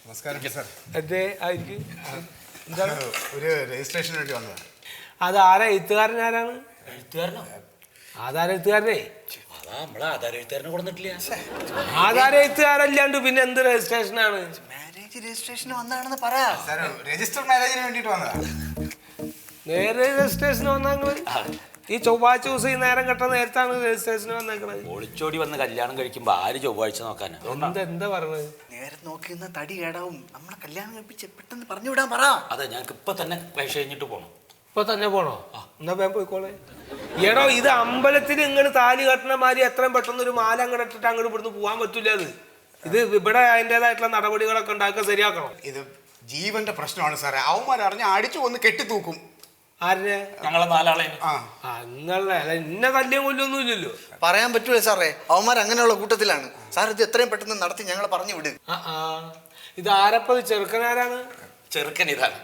നമസ്കാരം സാർ. അതെ ആയിരിക്കും. എന്താണ് ഒരു രജിസ്ട്രേഷന് വേണ്ടി വന്നതാണ്. അത് ആരാ എഴുത്തുകാരൻ? ആരാണ് എഴുത്തുകാരനോ? ആധാര എഴുത്തുകാരനെ. അതാ നമ്മളെ ആധാര എഴുത്തുകാരനെ കൊടുത്തിട്ടില്ല. ആധാര എഴുത്തുകാരല്ലാണ്ട് പിന്നെ എന്ത് രജിസ്ട്രേഷനാണ്? മാരേജ് രജിസ്ട്രേഷന് വന്നതാണെന്ന് പറ. സാർ രജിസ്റ്റർ മാരേജിന് വേണ്ടിയിട്ട് വന്നതാണ്. നേരെ രജിസ്ട്രേഷന് വന്നാങ്ങള് ഈ ചൊവ്വാഴ്ച ദിവസം ഈ നേരം കെട്ട നേരത്താണ് രജിസ്ട്രേഷന് വന്നേക്കണത്. ഒളിച്ചോടി വന്ന് കല്യാണം കഴിക്കുമ്പോ ആര് ചൊവ്വാഴ്ച നോക്കാനാ? എന്താ പറഞ്ഞത്? നേരെ നോക്കി നിന്ന തടി കേടാവും. നമ്മളെ കല്യാണം കഴിപ്പിച്ച് പെട്ടെന്ന് പറഞ്ഞു വിടാൻ പറ. അതെ, ഞങ്ങൾക്ക് ഇപ്പൊ തന്നെ പൈസ കഴിഞ്ഞിട്ട് പോണം. ഇപ്പൊ തന്നെ പോണോ? എന്നാ വേഗം പോയിക്കോളെ. എടോ, ഇത് അമ്പലത്തിൽ ഇങ്ങോട്ട് താലി കെട്ടണ മാതിരി എത്രയും പെട്ടെന്ന് ഒരു മാല അങ്ങോട്ട് ഇട്ടിട്ട് അങ്ങോട്ട് ഇവിടുന്ന് പോകാൻ പറ്റൂല. ഇത് ഇവിടെ അതിൻ്റെതായിട്ടുള്ള നടപടികളൊക്കെ ഉണ്ടാക്കുക, ശരിയാക്കണം. ഇത് ജീവന്റെ പ്രശ്നമാണ് സാറേ. അവന്മാരറിഞ്ഞ് അടിച്ചു ഒന്ന് കെട്ടിത്തൂക്കും. ആരിനെ? ഞങ്ങളെ നാലാളെ. നിങ്ങളെ അല്ല, ഇന്ന കല്യം കൊല്ലൊന്നും ഇല്ലല്ലോ. പറയാൻ പറ്റൂല സാറേ, അവന്മാർ അങ്ങനെയുള്ള കൂട്ടത്തിലാണ്. സാർ ഇത് എത്രയും പെട്ടെന്ന് നടത്തി ഞങ്ങളെ പറഞ്ഞു വിട്. ഇത് ആരപ്പത്? ചെറുക്കനാരാണ്? ചെറുക്കൻ ഇതാണ്.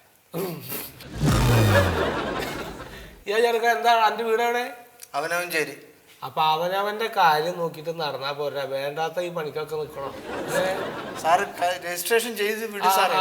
ചെറുക്കൻ എന്താ? എൻ്റെ വീട് എവിടെ? അവനവൻ ചേരി. അപ്പൊ അവനവന്റെ കാര്യം നോക്കിയിട്ട് നടന്നാ പോരാ, വേണ്ടാത്ത ഈ പണിക്കൊക്കെ നിൽക്കണം. സാറ് രജിസ്ട്രേഷൻ ചെയ്ത് വിട് സാറേ.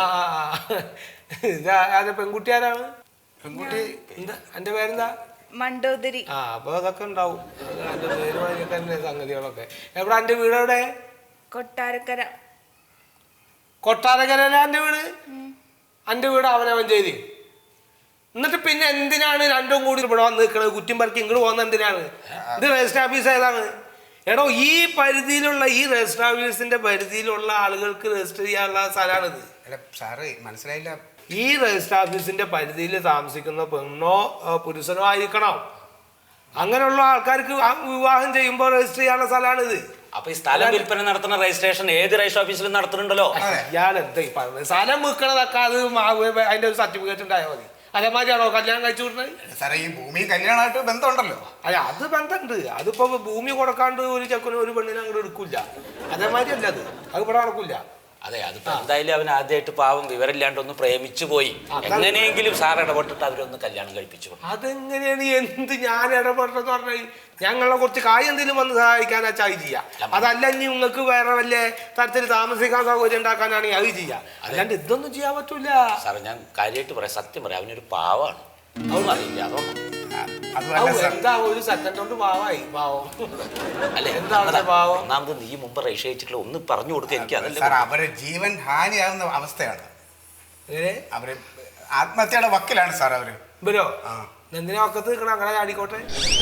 ഇത് ആരെ? പെൺകുട്ടി ആരാണ്? പെൺകുട്ടി എന്താ? എന്റെ പേരെന്താ? മണ്ടോദരി. അപ്പൊ അതൊക്കെ ഉണ്ടാവും. എന്റെ പേര് മാതിരി തന്നെ സംഗതികളൊക്കെ. എവിടെ എന്റെ വീട്? എവിടെ? കൊട്ടാരക്കര. കൊട്ടാരക്കരയില എന്റെ വീട്. എന്റെ വീട് അവനവൻ ചെയ്തി. എന്നിട്ട് പിന്നെ എന്തിനാണ് രണ്ടും കൂടി ഇവിടെ വന്ന് നിൽക്കണത്? കുറ്റിയും പറക്കി ഇങ്ങോട്ട് പോകുന്ന എന്തിനാണ്? ഇത് രജിസ്റ്റർ ഓഫീസ് ഏതാണ്? എടോ, ഈ പരിധിയിലുള്ള ഈ രജിസ്റ്റർ ഓഫീസിന്റെ പരിധിയിലുള്ള ആളുകൾക്ക് രജിസ്റ്റർ ചെയ്യാനുള്ള സ്ഥലമാണിത്. അല്ല സാറ് മനസ്സിലായില്ല. ഈ രജിസ്റ്റർ ഓഫീസിന്റെ പരിധിയിൽ താമസിക്കുന്ന പെണ്ണോ പുരുഷനോ ആയിരിക്കണം. അങ്ങനെയുള്ള ആൾക്കാർക്ക് വിവാഹം ചെയ്യുമ്പോൾ രജിസ്റ്റർ ചെയ്യാനുള്ള സ്ഥലമാണിത്. അപ്പൊ ഈ സ്ഥലം വിൽപ്പന നടത്തുന്ന രജിസ്ട്രേഷൻ ഏത് രജിസ്റ്റർ ഓഫീസിലും നടത്തുന്നുണ്ടല്ലോ. ഇയാൾ എന്താ ഈ പറഞ്ഞത്? സ്ഥലം വിൽക്കണതൊക്കെ അത് അതിന്റെ ഒരു സർട്ടിഫിക്കറ്റ് ഉണ്ടായാൽ മതി. അതേമാതിരിയാണോ കല്യാണം കഴിച്ചു വിടുന്നത്? സാറേ ഈ ഭൂമിയും കല്യാണമായിട്ട് ബന്ധമുണ്ടല്ലോ. അല്ല, അത് ബന്ധമുണ്ട്. അതിപ്പോ ഭൂമി കൊടുക്കാണ്ട് ഒരു ചെക്കനും ഒരു പെണ്ണിനെ അങ്ങോട്ട് എടുക്കില്ല. അതേമാതിരി അല്ല, അത് ഇവിടെ നടക്കില്ല. അതെ, അതിപ്പോ എന്തായാലും അവൻ ആദ്യമായിട്ട് പാവം വിവരമില്ലാണ്ട് ഒന്ന് പ്രേമിച്ചു പോയി. എങ്ങനെയെങ്കിലും സാർ ഇടപെട്ടിട്ട് അവരൊന്ന് കല്യാണം കഴിപ്പിച്ചു. അതെങ്ങനെയാണ്? എന്ത് ഞാൻ ഇടപെട്ടെന്ന് പറഞ്ഞാൽ ഞങ്ങളെ കുറച്ച് കാര്യം എന്തെങ്കിലും വന്ന് സഹായിക്കാനാ ചായ ചെയ്യാം. അതല്ല ഇനി നിങ്ങൾക്ക് വേറെ വല്ല തരത്തിൽ താമസിക്കാൻ സൗകര്യം ഉണ്ടാക്കാനാണെങ്കിൽ അത് ചെയ്യാം. അല്ലാണ്ട് ഇതൊന്നും ചെയ്യാൻ പറ്റൂല. സാറേ, ഞാൻ കാര്യമായിട്ട് പറയാം, സത്യം പറയാം, അവനൊരു പാവാണ്. അതൊന്നും അറിയില്ല. എന്താ ഒരു സെക്കൻഡ് കൊണ്ട് പാവായി? പാവം അല്ലെ? എന്താണ് പാവം? ഒന്നാമത് നീ മുമ്പ് രജിസ്റ്റർ ചെയ്തിട്ടുള്ള ഒന്ന് പറഞ്ഞു കൊടുക്കുക. എനിക്ക് അതല്ല സാർ, അവരെ ജീവൻ ഹാനിയാകുന്ന അവസ്ഥയാണ്. എങ്ങനെ? അവര് ആത്മഹത്യയുടെ വക്കിലാണ് സാർ അവര്. ഇവരോ? എന്തിനാ ഒക്കത്ത് നിൽക്കണം? അങ്ങനെ ആടിക്കോട്ടെ.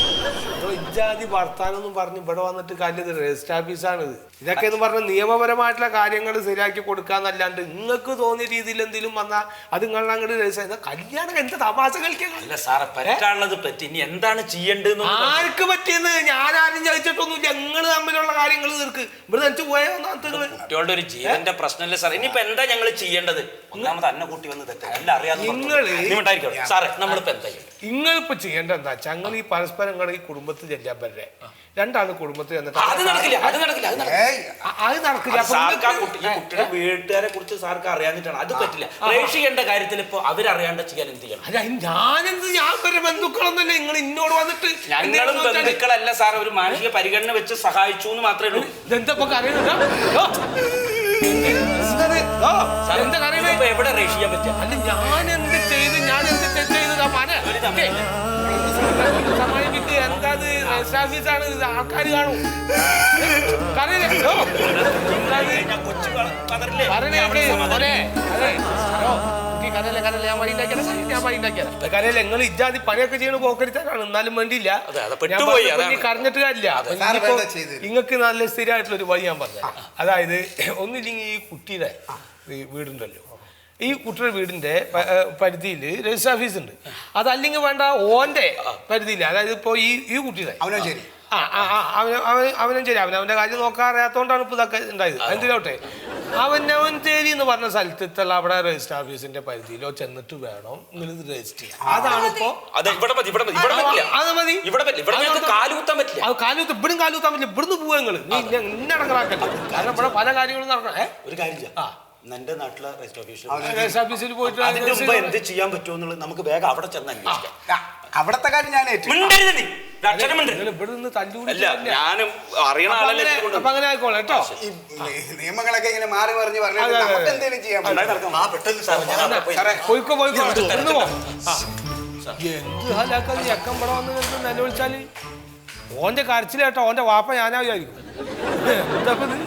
ഇജാതി വർത്താനൊന്നും പറഞ്ഞ് ഇവിടെ വന്നിട്ട് കാര്യം രജിസ്റ്റർ ഓഫീസാണിത്. ഇതൊക്കെ എന്ന് പറഞ്ഞ നിയമപരമായിട്ടുള്ള കാര്യങ്ങൾ ശരിയാക്കി കൊടുക്കാന്നല്ലാണ്ട് നിങ്ങൾക്ക് തോന്നിയ രീതിയിൽ എന്തെങ്കിലും വന്നാൽ അത് നിങ്ങൾ അങ്ങോട്ട് രജിസ്റ്റർ. കല്യാണം എന്ത് തമാശ കളിക്കണം? അല്ല സാറേ, പറ്റാനുള്ളത് പറ്റി. ഇനി എന്താണ് ചെയ്യേണ്ടത്? ആർക്ക് പറ്റിയെന്ന് ഞാൻ ആരും ചോദിച്ചിട്ടൊന്നുമില്ല. ഞങ്ങൾ തമ്മിലുള്ള കാര്യങ്ങൾ തീർക്ക്. ഇവിടെ നനച്ച് പോയോ കുട്ടികളുടെ ഒരു ജീവന്റെ പ്രശ്നമല്ലേ സാർ? ഇനിയിപ്പോ എന്താ ഞങ്ങൾ ചെയ്യേണ്ടത്? ഒന്നാമത് അന്ന കൂട്ടി വന്ന് തെറ്റാ എല്ലാം അറിയാതെ സാറേ, നമ്മളിപ്പോ എന്താ നിങ്ങളിപ്പോ ചെയ്യേണ്ട എന്താ വെച്ചാൽ ഞങ്ങൾ ഈ പരസ്പരം ഈ കുടുംബത്തിൽ ചെല്ലാൻ പറ്റേ. രണ്ടാണ് കുടുംബത്തിൽ ചെന്നിട്ട് അത് നടക്കില്ല. അത് നടക്കില്ല. കുട്ടിയുടെ വീട്ടുകാരെ കുറിച്ച് സാർക്ക് അറിയാഞ്ഞിട്ടാണ്. അത് പറ്റില്ല. രജിസ്റ്റർ ചെയ്യേണ്ട കാര്യത്തിൽ ഇപ്പൊ അവരറിയാണ്ട് ചെയ്യാൻ എന്ത് ചെയ്യണം? അല്ല, ഞാനെന്ത്? ഞാൻ വരെ ബന്ധുക്കളൊന്നല്ലേ നിങ്ങൾ ഇന്നോട് വന്നിട്ട്? ഞങ്ങളും ബന്ധുക്കളല്ല സാർ, ഒരു മാനുഷിക പരിഗണന വെച്ച് സഹായിച്ചു എന്ന് മാത്രമേ ഉള്ളൂ. ഇതെന്താ കറിയുന്നത്? എന്താ കറിയുന്നത്? എവിടെ രജിസ്റ്റർ ചെയ്യാൻ പറ്റുക? അല്ല, ഞാൻ എന്ത് ചെയ്ത് സമയത്ത് എന്താ രജിസ്റ്റർ ഓഫീസാണ്, ആൾക്കാർ കാണും. കരയില്ല. നിങ്ങൾ ഇജാതി പണിയൊക്കെ ചെയ്യണ പോക്കരിച്ചാണ്. എന്നാലും വേണ്ടിയില്ല, കരഞ്ഞിട്ട് കാര്യമില്ല. നിങ്ങൾക്ക് നല്ല സ്ഥിരമായിട്ടുള്ള ഒരു വഴി ഞാൻ പറഞ്ഞു. അതായത് ഒന്നില്ലെങ്കിൽ ഈ കുട്ടിയുടെ വീടുണ്ടല്ലോ, ഈ കുട്ടിയുടെ വീടിന്റെ പരിധിയിൽ രജിസ്റ്റർ ഓഫീസ് ഉണ്ട്. അതല്ലെങ്കിൽ വേണ്ട ഓന്റെ പരിധിയിൽ, അതായത് ഇപ്പൊ ഈ കുട്ടിയുടെ അവനശ്ശേരി അവനശ്ശേരി അവനവന്റെ കാര്യം നോക്കാൻ അറിയാത്തോണ്ടാണ് ഇപ്പൊ ഇതൊക്കെ ഉണ്ടായത്. എന്തിനോട്ടെ, അവനവഞ്ചേരി എന്ന് പറഞ്ഞ സ്ഥലത്തുള്ള അവിടെ രജിസ്റ്റർ ഓഫീസിന്റെ പരിധിയിലോ ചെന്നിട്ട് വേണം നിങ്ങൾ ഇത് രജിസ്റ്റർ ചെയ്യാൻ. അതാണിപ്പോ. അത് മതി. കാലുകുത്താൻ പറ്റില്ല. ഇവിടുന്ന് പോവാ നിങ്ങൾ. ഇന്നടങ്ങാക്കല്ല. കാരണം ഇവിടെ പല കാര്യങ്ങളും നടക്കണം. ഒരു കാര്യം എന്റെ നാട്ടിലെ രജിസ്റ്റർ ഓഫീസിൽ പോയിട്ട് എന്ത് ചെയ്യാൻ പറ്റുമോ എന്നുള്ളത് നമുക്ക് വേഗം അവിടെ ചെന്ന് അന്വേഷിക്കാം. അവിടത്തെ കാര്യം ഞാൻ അക്ഷരമുണ്ട്. നിങ്ങൾ ഇവിടെ നിന്ന് തല്ലുകൂടി അല്ല ഞാനും അറിയണ ആളല്ലേ ഇതുകൊണ്ട്. അപ്പൊ അങ്ങനെ ആയിക്കോളെ കേട്ടോ. ഈ നിയമങ്ങളൊക്കെ ഇങ്ങനെ മാറി മറിഞ്ഞ് പറഞ്ഞു നമുക്ക് എന്തെങ്കിലും ചെയ്യാൻ പറ്റും. ആ പെട്ടെന്ന് സാർ ഞാൻ അവിടെ പോയി. പോയിക്കോ പോയിക്കോ ഇന്ന് പോ. എന്ത് ഹാലാക്കാതെ ചെക്കൻ ഇവിടെ വന്ന് നിലവിളിച്ചാല് ഓന്റെ കരച്ചിലേട്ടോ ഓന്റെ വാപ്പ ഞാനാ വിചാരിക്കും. എന്താ ഇപ്പൊ ഇത്?